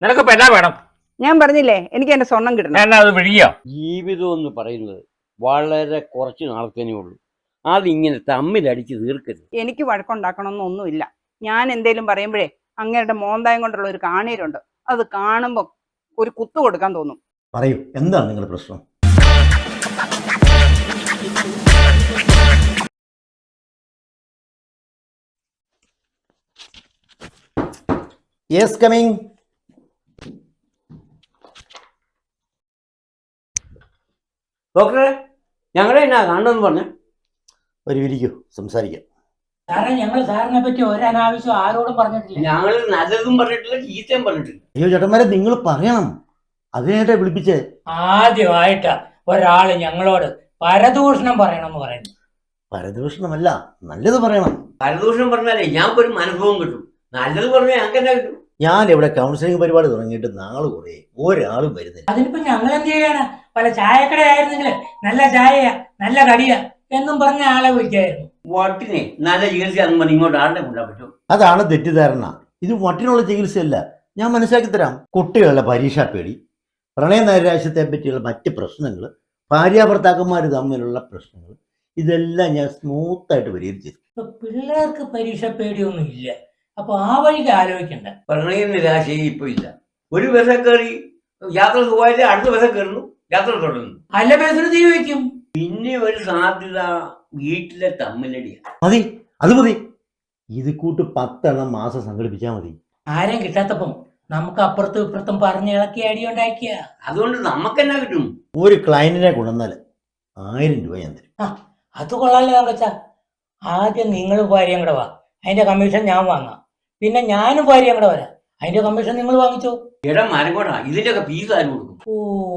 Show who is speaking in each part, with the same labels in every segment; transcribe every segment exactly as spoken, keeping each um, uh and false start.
Speaker 1: നിനക്കിപ്പോ എന്നാ വേണം?
Speaker 2: ഞാൻ പറഞ്ഞില്ലേ എനിക്ക് എന്റെ സ്വർണം കിട്ടണം.
Speaker 1: എന്നാ അത് വിഴിയോ?
Speaker 3: ജീവിതം എന്ന് പറയുന്നത് വളരെ കുറച്ച് നാളത്തേനേ ഉള്ളൂ. അതിങ്ങനെ തമ്മിലടിച്ച് തീർക്കരുത്.
Speaker 2: എനിക്ക് വഴക്കുണ്ടാക്കണമെന്നൊന്നുമില്ല. ഞാൻ എന്തേലും പറയുമ്പോഴേ അങ്ങേരുടെ മോന്തായം കൊണ്ടുള്ള ഒരു കാണീരുണ്ട്, അത് കാണുമ്പോൾ ഒരു കുത്തു കൊടുക്കാൻ തോന്നും.
Speaker 4: പറയൂ, എന്താണ് നിങ്ങളുടെ പ്രശ്നം? Yes, coming.
Speaker 3: ഡോക്ടറെ, ഞങ്ങളെ എന്നാ കാണണമെന്ന് പറഞ്ഞ
Speaker 4: ഒരു വിരിക്കൂ, സംസാരിക്കാം.
Speaker 5: സാറേ, ഞങ്ങൾ സാറിനെ പറ്റി ഒരനാവശ്യം ആരോടും പറഞ്ഞിട്ടില്ല.
Speaker 3: ഞങ്ങൾ നല്ലതും പറഞ്ഞിട്ടില്ല, ചീത്തയും പറഞ്ഞിട്ടില്ല.
Speaker 4: അയ്യോ ചേട്ടന്മാരെ, നിങ്ങൾ പറയണം, അതിനായിട്ടാ വിളിപ്പിച്ചേ.
Speaker 5: ആദ്യമായിട്ടാ ഒരാള് ഞങ്ങളോട് പരദൂഷണം പറയണമെന്ന് പറയുന്നു.
Speaker 4: പരദൂഷണമല്ല, നല്ലത് പറയണം.
Speaker 3: പരദൂഷണം പറഞ്ഞാലേ ഞങ്ങൾക്ക് ഒരു മനസ്സുഖം കിട്ടും. നല്ലത് പറഞ്ഞാൽ ഞങ്ങൾക്ക് എന്നാ കിട്ടും?
Speaker 4: ഞാൻ ഇവിടെ കൗൺസിലിംഗ് പരിപാടി തുടങ്ങിയിട്ട് നാളെ കുറേ ഒരാളും വരുന്നില്ല.
Speaker 5: അതിനിപ്പോ ഞങ്ങൾ എന്ത് ചെയ്യാനാ? പല ചായക്കടയായിരുന്നെങ്കിൽ നല്ല ചായയാ, നല്ല കടിയാ എന്നും പറഞ്ഞ ആളെ വിളിക്കായിരുന്നു.
Speaker 3: വട്ടിനെ നല്ല ചികിത്സയാണെന്ന് പറഞ്ഞ് ഇങ്ങോട്ട് ആളുടെ കൊണ്ടാൻ പറ്റും?
Speaker 4: അതാണ് തെറ്റിദ്ധാരണ. ഇത് വട്ടിനുള്ള ചികിത്സയല്ല. ഞാൻ മനസ്സിലാക്കി തരാം. കുട്ടികളുടെ പരീക്ഷാ പേടി, പ്രണയ നൈരാശ്യത്തെ പറ്റിയുള്ള മറ്റ് പ്രശ്നങ്ങൾ, ഭാര്യാഭർത്താക്കന്മാർ തമ്മിലുള്ള പ്രശ്നങ്ങൾ, ഇതെല്ലാം ഞാൻ സ്മൂത്തായിട്ട് പരിഹരിച്ചു.
Speaker 5: ഇപ്പൊ പിള്ളേർക്ക് പരീക്ഷ പേടിയൊന്നും ഇല്ല. അപ്പൊ ആ വഴിക്ക് ആലോചിക്കണ്ട.
Speaker 3: പ്രണയ നിരാശയും ഇപ്പൊ ഇല്ല. ഒരു ബസ് കയറി യാത്ര സുഖമായിട്ട് അടുത്ത ബസ് കയറുന്നു, യാത്ര തുടങ്ങുന്നു.
Speaker 5: അല്ല ബസ്സിന് തീ വയ്ക്കും.
Speaker 3: പിന്നെ ഒരു സാധ്യത വീട്ടിലെ തമ്മിലടിയാണ്.
Speaker 4: മതി, അത് മതി. ഇത് കൂട്ട് പത്തെണ്ണം മാസം സംഘടിപ്പിച്ചാൽ മതി.
Speaker 5: ആരും കിട്ടാത്തപ്പം നമുക്ക് അപ്പുറത്തും ഇപ്പുറത്തും പറഞ്ഞ് ഇളക്കി അടി ഉണ്ടാക്കിയ.
Speaker 3: അതുകൊണ്ട് നമുക്ക് എന്നാ കിട്ടും?
Speaker 4: ഒരു ക്ലയന്റിനെ കൊണ്ടുവന്നാൽ ആയിരം രൂപ ഞാൻ തരും.
Speaker 5: ആ, അത് കൊള്ളാലോ തങ്കച്ചാ. ആദ്യം നിങ്ങളും ഭാര്യയും കൂടെ വാ, അതിന്റെ കമ്മീഷൻ ഞാൻ വാങ്ങാം. പിന്നെ ഞാനും ഭാര്യയും കൂടെ വരാം, അതിന്റെ കമ്മീഷൻ നിങ്ങൾ വാങ്ങിച്ചോ.
Speaker 3: ഇടം മരങ്ങോട്ടാ, ഇതിന്റെ ഒക്കെ ഫീസ് ആരും കൊടുക്കും?
Speaker 5: ഓ,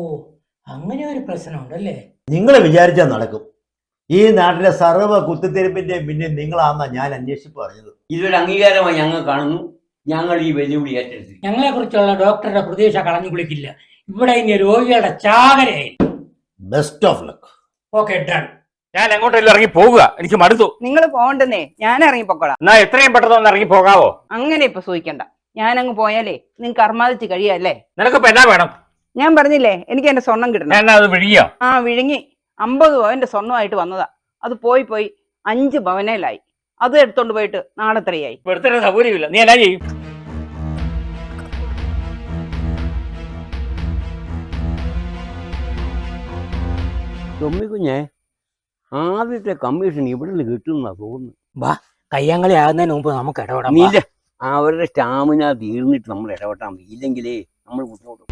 Speaker 5: അങ്ങനെ ഒരു പ്രശ്നമുണ്ടല്ലേ?
Speaker 4: നിങ്ങൾ വിചാരിച്ചാൽ നടക്കും. ഈ നാട്ടിലെ സർവ്വ കുത്തിത്തിരിപ്പിന്റെ പിന്നെ നിങ്ങളാന്നാ ഞാൻ അന്വേഷിച്ച് പറഞ്ഞത്.
Speaker 3: ഇതൊരു അംഗീകാരമായി ഞങ്ങൾ കാണുന്നു. ഞങ്ങൾ ഈ വെല്ലുവിളി ഏറ്റെടുത്തു.
Speaker 5: ഞങ്ങളെ കുറിച്ചുള്ള ഡോക്ടറുടെ പ്രതീക്ഷ കളഞ്ഞു കുളിക്കില്ല. ഇവിടെ ഇനി രോഗികളുടെ ചാകരയായി.
Speaker 4: Best of luck.
Speaker 5: Okay, done.
Speaker 1: ഞാൻ എങ്ങോട്ടെങ്കിലും ഇറങ്ങി പോകുക, എനിക്ക് മടുത്തു.
Speaker 2: നിങ്ങൾ പോകണ്ടെന്നേ, ഞാൻ ഇറങ്ങി പൊക്കോളാം.
Speaker 1: എന്നാ എത്രയും പെട്ടെന്ന് ഒന്ന് ഇറങ്ങി പോകാവോ?
Speaker 2: അങ്ങനെ ഇപ്പൊ സൂഹിക്കണ്ട. ഞാൻ അങ്ങ് പോയാലേ നിങ്ങൾക്ക് അർമാദിച്ച് കഴിയല്ലേ.
Speaker 1: നിനക്കിപ്പോ എന്നാ വേണം?
Speaker 2: ഞാൻ പറഞ്ഞില്ലേ എനിക്ക് എന്റെ സ്വർണം കിട്ടണം.
Speaker 1: എന്നാ അത് വിഴിയോ?
Speaker 2: ആ, വിഴുങ്ങി. അമ്പത് പവന്റെ സ്വർണ്ണമായിട്ട് വന്നതാ. അത് പോയി പോയി അഞ്ച് പവനേലായി. അത് എടുത്തോണ്ട് പോയിട്ട് നാളെ എത്രയായി?
Speaker 1: എടുത്തിട്ട് സൗകര്യമില്ല. നീ എന്നാ ചെയ്യും?
Speaker 3: തൊമ്മിക്കുഞ്ഞെ, ആദ്യത്തെ കമ്മീഷൻ ഇവിടെ നിന്ന് കിട്ടുന്ന തോന്നുന്നു.
Speaker 5: വാ, കയ്യാങ്കളി ആകുന്നതിന് മുമ്പ് നമുക്ക് ഇടപെടാം.
Speaker 3: നീല അവരുടെ സ്റ്റാമിന തീർന്നിട്ട് നമ്മൾ ഇടപെട്ടാൽ മതി. ഇല്ലെങ്കിലേ നമ്മൾ ബുദ്ധിമുട്ടും.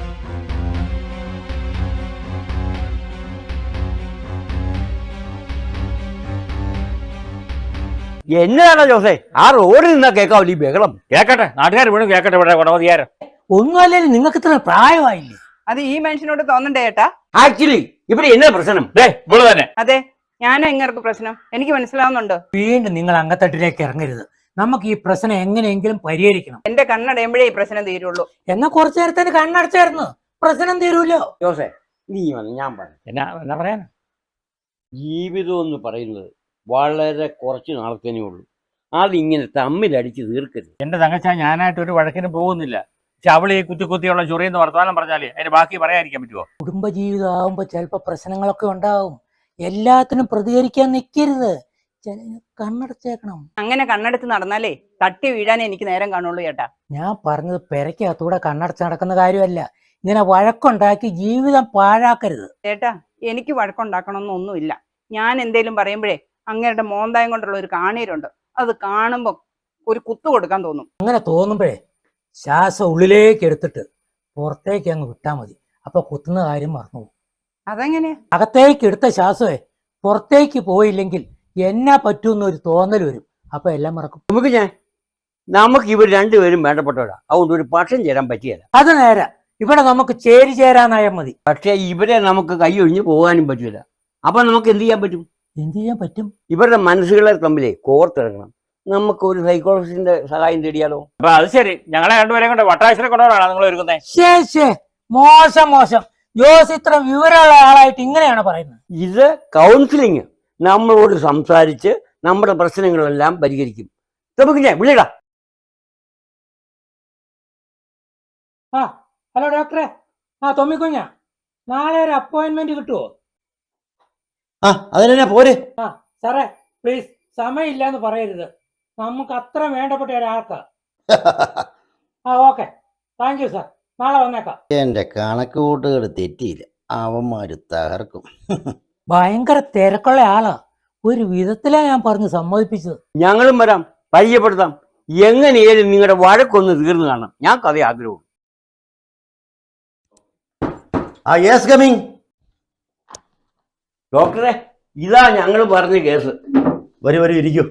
Speaker 3: എന്നതാണോ ജോസേ, ആ റോഡിൽ നിന്നാ കേൾക്കാവില്ല ഈ ബഹളം?
Speaker 1: കേക്കട്ടെ, നാട്ടുകാർ വീണ്ടും കേക്കട്ടെ. ഇവിടെ ഗുണമതിയാരം
Speaker 5: ഒന്നുമല്ലേ, നിങ്ങൾക്ക് ഇത്ര പ്രായമായില്ലേ?
Speaker 2: അത് ഈ മനുഷ്യനോട് തോന്നണ്ടേ ഏട്ടാ?
Speaker 3: ആക്ച്വലി ഇവിടെ എന്നാ പ്രശ്നം?
Speaker 1: ദേ ഇവിടെ തന്നെ.
Speaker 2: അതെ, ഞാനാ ഇങ്ങർക്ക് പ്രശ്നം. എനിക്ക് മനസ്സിലാവുന്നുണ്ട്.
Speaker 5: വീണ്ടും നിങ്ങൾ അങ്കത്തട്ടിലേക്ക് ഇറങ്ങരുത്. നമുക്ക് ഈ പ്രശ്നം എങ്ങനെയെങ്കിലും പരിഹരിക്കണം.
Speaker 2: എന്റെ കണ്ണടയുമ്പോഴേ ഈ പ്രശ്നം തീരുള്ളൂ.
Speaker 5: എന്നാ കുറച്ചു നേരത്തേന് കണ്ണടച്ചായിരുന്നു, പ്രശ്നം തീരൂല്ലോ.
Speaker 3: ജോസേ, നീ വന്ന് ഞാൻ പറഞ്ഞു.
Speaker 1: എന്നാ എന്നാ പറയാനാ?
Speaker 3: ജീവിതം എന്ന് പറയുന്നത് വളരെ കുറച്ച് നാളത്തേനേ ഉള്ളൂ. അതിങ്ങനെ തമ്മിലടിച്ച് തീർക്കരുത്.
Speaker 1: എന്റെ തങ്കച്ചാ, ഞാനായിട്ട് ഒരു വഴക്കിന് പോകുന്നില്ല. പക്ഷെ അവള് ഈ കുത്തി കുത്തിയുള്ള ചൊറിയെന്ന് വർത്തമാനം പറഞ്ഞാലേ അതിന് ബാക്കി പറയാതിരിക്കാൻ പറ്റുമോ?
Speaker 5: കുടുംബജീവിതം ആവുമ്പോ ചിലപ്പോ പ്രശ്നങ്ങളൊക്കെ ഉണ്ടാവും. എല്ലാത്തിനും പ്രതികരിക്കാൻ നിൽക്കരുത്. കണ്ണടച്ചേക്കണം.
Speaker 2: അങ്ങനെ കണ്ണടച്ച് നടന്നാലേ തട്ടി വീഴാനേ എനിക്ക് നേരം കാണുള്ളൂ ചേട്ടാ.
Speaker 5: ഞാൻ പറഞ്ഞത് പെരക്കകത്തൂടെ കണ്ണടച്ച് നടക്കുന്ന കാര്യമല്ല. ഇങ്ങനെ വഴക്കുണ്ടാക്കി ജീവിതം പാഴാക്കരുത്.
Speaker 2: ചേട്ടാ, എനിക്ക് വഴക്കുണ്ടാക്കണമെന്നൊന്നുമില്ല. ഞാൻ എന്തേലും പറയുമ്പോഴേ അങ്ങേരുടെ മോന്തായം കൊണ്ടുള്ള ഒരു കാണീരുണ്ട്, അത് കാണുമ്പോൾ ഒരു കുത്തു കൊടുക്കാൻ തോന്നും.
Speaker 5: അങ്ങനെ തോന്നുമ്പോഴേ ശ്വാസം ഉള്ളിലേക്ക് എടുത്തിട്ട് പുറത്തേക്ക് അങ്ങ് വിട്ടാ മതി. അപ്പൊ കുത്തുന്ന കാര്യം മറന്നു പോകും.
Speaker 2: അതെങ്ങനെയാ?
Speaker 5: അകത്തേക്ക് എടുത്ത ശ്വാസമേ പുറത്തേക്ക് പോയില്ലെങ്കിൽ എന്നാ പറ്റൂന്നൊരു തോന്നൽ വരും. അപ്പൊ എല്ലാം മറക്കും.
Speaker 3: നമുക്ക് ഞാൻ നമുക്ക് ഇവർ രണ്ടുപേരും വേണ്ടപ്പെട്ടവരാ. അതുകൊണ്ട് ഒരു പക്ഷം ചേരാൻ പറ്റിയല്ല.
Speaker 5: അത് നേരെ ഇവിടെ നമുക്ക് ചേരി ചേരാനായാൽ മതി.
Speaker 3: പക്ഷെ ഇവരെ നമുക്ക് കൈ ഒഴിഞ്ഞ് പോകാനും പറ്റില്ല. അപ്പൊ നമുക്ക് എന്ത് ചെയ്യാൻ പറ്റും?
Speaker 5: എന്ത് ചെയ്യാൻ പറ്റും?
Speaker 3: ഇവരുടെ മനസ്സുകളെ തമ്മിലേ കോർത്തിറങ്ങണം. നമുക്ക് ഒരു സൈക്കോളജിസ്റ്റിന്റെ സഹായം തേടിയാലോ?
Speaker 1: അപ്പൊ അത് ശരി, ഞങ്ങളെ രണ്ടുപേരും കൊണ്ട് വട്ടാശ്ശേരി കൊണ്ടുപോകാനാണ് നിങ്ങൾ ഒരുക്കുന്നത്?
Speaker 5: ശേ ശേ, മോശം മോശം. ജോസ് ഇത്ര വിവരമുള്ള ആളായിട്ട് ഇങ്ങനെയാണ് പറയുന്നത്.
Speaker 3: ഇത് കൗൺസിലിങ്. നമ്മളോട് സംസാരിച്ച് നമ്മുടെ പ്രശ്നങ്ങളെല്ലാം പരിഹരിക്കും. നമുക്ക് ഞാൻ വിളിടാ.
Speaker 5: ആ ഹലോ ഡോക്ടറെ, ആ തൊമ്മിക്കുഞ്ഞ, നാളെ ഒരു അപ്പോയിന്റ്മെന്റ് കിട്ടുമോ?
Speaker 4: ആ അതിനെന്നാ പോരെ.
Speaker 5: സാറേ പ്ലീസ്, സമയമില്ല എന്ന് പറയരുത്, നമുക്ക് അത്ര വേണ്ടപ്പെട്ട ഒരാൾക്കാ. ആ ഓക്കെ, താങ്ക് യു സാർ, നാളെ വന്നേക്കാം.
Speaker 4: എൻ്റെ കണക്ക് കൂട്ടുകൾ തെറ്റിയില്ല, അവന്മാര് തകർക്കും.
Speaker 5: ഭയങ്കര തിരക്കുള്ള ആളാ, ഒരു വിധത്തിലാ ഞാൻ പറഞ്ഞ് സമ്മതിപ്പിച്ചത്.
Speaker 3: ഞങ്ങളും വരാം, പരിചയപ്പെടുത്താം. എങ്ങനെയാലും നിങ്ങളുടെ വഴക്കൊന്ന് തീർന്നു കാണണം, ഞാൻ കഥ ആഗ്രഹവും.
Speaker 4: ആ യെസ് കമ്മിങ്.
Speaker 3: ഡോക്ടറെ, ഇതാ ഞങ്ങൾ പറഞ്ഞ കേസ്.
Speaker 4: വരൂ വരൂ, ഇരിക്കൂ.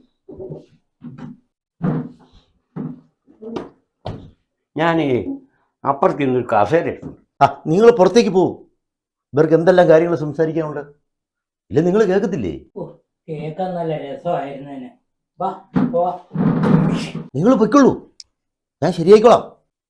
Speaker 3: ഞാൻ അപ്പുറത്ത് ഇന്നൊരു കസേര എടുത്തു.
Speaker 4: ആ നിങ്ങൾ പുറത്തേക്ക് പോകൂ, ഇവർക്ക് എന്തെല്ലാം കാര്യങ്ങൾ സംസാരിക്കാനുണ്ട്. ഇല്ല നിങ്ങൾ കേൾക്കത്തില്ലേ?
Speaker 5: കേൾക്കാൻ നല്ല രസമായിരുന്നേനെ. വാ പോവാ.
Speaker 4: നിങ്ങൾ പൊയ്ക്കൊള്ളൂ, ഞാൻ ശരിയായിക്കോളാം.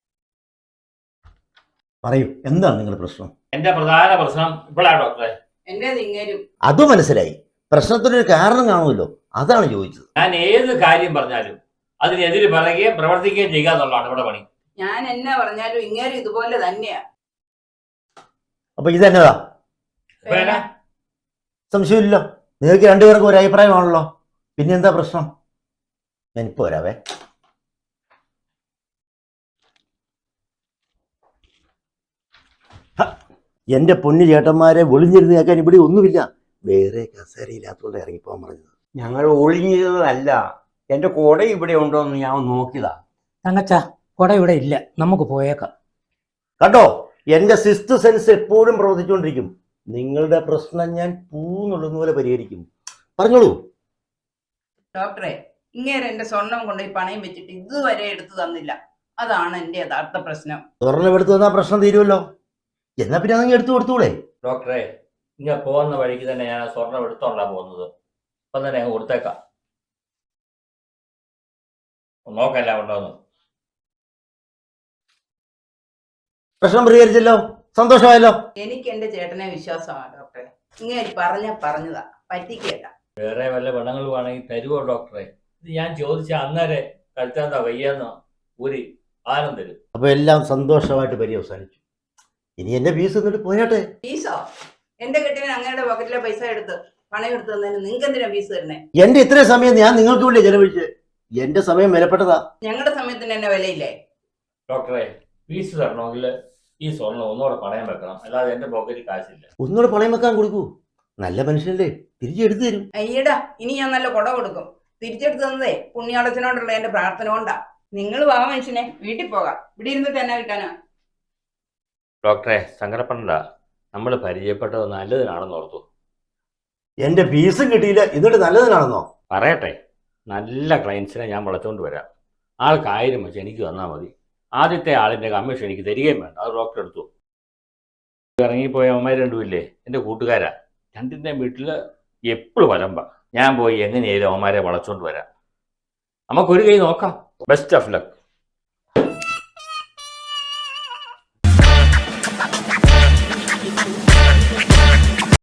Speaker 4: പറയൂ, എന്താണ് നിങ്ങളുടെ പ്രശ്നം?
Speaker 1: എന്റെ പ്രധാന പ്രശ്നം ഇപ്പോഴാണ് ഡോക്ടറെ.
Speaker 2: എന്റേത് ഇങ്ങേരും.
Speaker 4: അത് മനസ്സിലായി, പ്രശ്നത്തിനൊരു കാരണം കാണുമല്ലോ, അതാണ് ചോദിച്ചത്.
Speaker 1: ഞാൻ ഏത് കാര്യം പറഞ്ഞാലും അതിനെതിരെ പറയുകയും പ്രവർത്തിക്കുകയും ചെയ്യുക എന്നുള്ളതാണ് ഇവിടെ പണി.
Speaker 2: ഞാൻ എന്നാ പറഞ്ഞാലും ഇങ്ങേരും ഇതുപോലെ തന്നെയാ.
Speaker 4: അപ്പൊ ഇതെന്നതാ?
Speaker 1: ഇപ്പൊ എന്നാ?
Speaker 4: സംശയമില്ലല്ലോ, നിങ്ങൾക്ക് രണ്ടുപേർക്കും ഒരു അഭിപ്രായമാണല്ലോ, പിന്നെ എന്താ പ്രശ്നം? ഞാനിപ്പോ വരാവേ. എന്റെ പൊന്നു ചേട്ടന്മാരെ, ഒളിഞ്ഞിരുന്ന് കേൾക്കാൻ ഇവിടെ ഒന്നുമില്ല, വേറെ കസേരയില്ലാത്തോണ്ട് ഇറങ്ങിപ്പോകാൻ പറഞ്ഞത്.
Speaker 3: ഞങ്ങൾ ഒളിഞ്ഞതല്ല, എന്റെ കുട ഇവിടെ ഉണ്ടോ എന്ന് ഞാൻ നോക്കിയതാ.
Speaker 5: തങ്കച്ച, കുട ഇവിടെ ഇല്ല, നമുക്ക് പോയേക്കാം.
Speaker 4: കണ്ടോ, എന്റെ സിക്സ്ത് സെൻസ് എപ്പോഴും പ്രവർത്തിച്ചുകൊണ്ടിരിക്കും. നിങ്ങളുടെ പ്രശ്നം ഞാൻ പൂന്നുള്ളുന്ന പോലെ പരിഹരിക്കും. പറഞ്ഞോളൂ.
Speaker 2: ഡോക്ടറെ, ഇങ്ങേര് എന്റെ സ്വർണം കൊണ്ട് ഈ പണയം വെച്ചിട്ട് ഇതുവരെ എടുത്തു തന്നില്ല, അതാണ് എന്റെ യഥാർത്ഥ പ്രശ്നം.
Speaker 4: സ്വർണ്ണം എടുത്തു തന്നാൽ പ്രശ്നം തീരുമല്ലോ, എന്നാ പിന്നെ അതങ്ങ് എടുത്തു കൊടുത്തൂടെ?
Speaker 1: ഡോക്ടറെ, ഇങ്ങനെ പോകുന്ന വഴിക്ക് തന്നെ ഞാൻ സ്വർണം എടുത്തോണ്ടാ പോകുന്നത്, അപ്പൊ തന്നെ അങ്ങ് കൊടുത്തേക്കാം. നോക്കല്ല ഉണ്ടോന്ന്.
Speaker 4: പ്രശ്നം പരിഹരിച്ചല്ലോ, സന്തോഷമായല്ലോ.
Speaker 2: എനിക്ക് എന്റെ ചേട്ടനെ വിശ്വാസമാണ് ഡോക്ടറെ. ഇങ്ങനെ പറഞ്ഞ പറഞ്ഞതാ, പറ്റിക്കല്ല.
Speaker 1: വേറെ വല്ല പെണ്ണുങ്ങളും ആണെങ്കിൽ തരുമോ ഡോക്ടറെ? ഇത് ഞാൻ ചോദിച്ച അന്നേരെ കഴുത്താന്താ വയ്യാന്ന് ഒരു ആനം തരും.
Speaker 4: അപ്പൊ എല്ലാം സന്തോഷമായിട്ട് പര്യവസാനിച്ചു. ഇനി എന്റെ ഫീസ് എന്നിട്ട് പോയാട്ടെ.
Speaker 2: ഫീസോ? എന്റെ കെട്ടിയവൻ അങ്ങയുടെ പോക്കറ്റിലെ പൈസ എടുത്ത് പണയം എടുത്ത് തന്നതിന് നിങ്ങൾക്ക് എന്തിനാ ഫീസ് തരണേ?
Speaker 4: എന്റെ ഇത്രയും സമയം ഞാൻ നിങ്ങൾക്ക് വേണ്ടി ചെലവഴിച്ച്, എന്റെ സമയം വിലപ്പെട്ടതാ.
Speaker 2: ഞങ്ങളുടെ സമയത്തിന് എന്നെ വിലയില്ലേ?
Speaker 1: ഡോക്ടറെ, ഫീസ് തരണമെങ്കിൽ ഈ സ്വർണ്ണം ഒന്നുകൂടെ പണയം വെക്കണം, അല്ലാതെ എന്റെ പോക്കറ്റിൽ കാശില്ല.
Speaker 4: ഒന്നുകൂടെ പണയം വെക്കാൻ കൊടുക്കൂ, നല്ല മനുഷ്യനല്ലേ, തിരിച്ചെടുത്തു തരും.
Speaker 2: അയ്യടാ, ഇനി ഞാൻ നല്ല കൊട കൊടുക്കും. തിരിച്ചെടുത്ത് തന്നതേ പുണ്യാളച്ചനോടുള്ള എന്റെ പ്രാർത്ഥന കൊണ്ടാ. നിങ്ങൾ വാ മനുഷ്യനെ, വീട്ടിൽ പോകാം, ഇവിടെ ഇരുന്നിട്ട് എന്നാ കിട്ടാനാ?
Speaker 1: ഡോക്ടറെ, സങ്കടപ്പെടണ്ട, നമ്മൾ പരിചയപ്പെട്ടത് നല്ലതിനാണെന്ന് ഓർത്തു.
Speaker 4: എന്റെ ഫീസും കിട്ടിയില്ല, എന്നിട്ട് നല്ലതിനാണെന്നോ?
Speaker 1: പറയട്ടെ, നല്ല ക്ലയൻസിനെ ഞാൻ വിളച്ചുകൊണ്ട് വരാം. ആൾക്ക് ആയിരം വെച്ച് എനിക്ക് തന്നാൽ മതി. ആദ്യത്തെ ആളിൻ്റെ കമ്മീഷൻ എനിക്ക് തരികയും വേണ്ട, അത് ഡോക്ടർ എടുത്തു. ഇറങ്ങിപ്പോയ അമ്മമാർ രണ്ടുമില്ലേ, എൻ്റെ കൂട്ടുകാരാ. രണ്ടിൻ്റെയും വീട്ടിൽ എപ്പോഴും വലമ്പ. ഞാൻ പോയി എങ്ങനെയായാലും അമ്മമാരെ വളച്ചുകൊണ്ട് വരാം. നമുക്കൊരു കൈ നോക്കാം. Best of luck.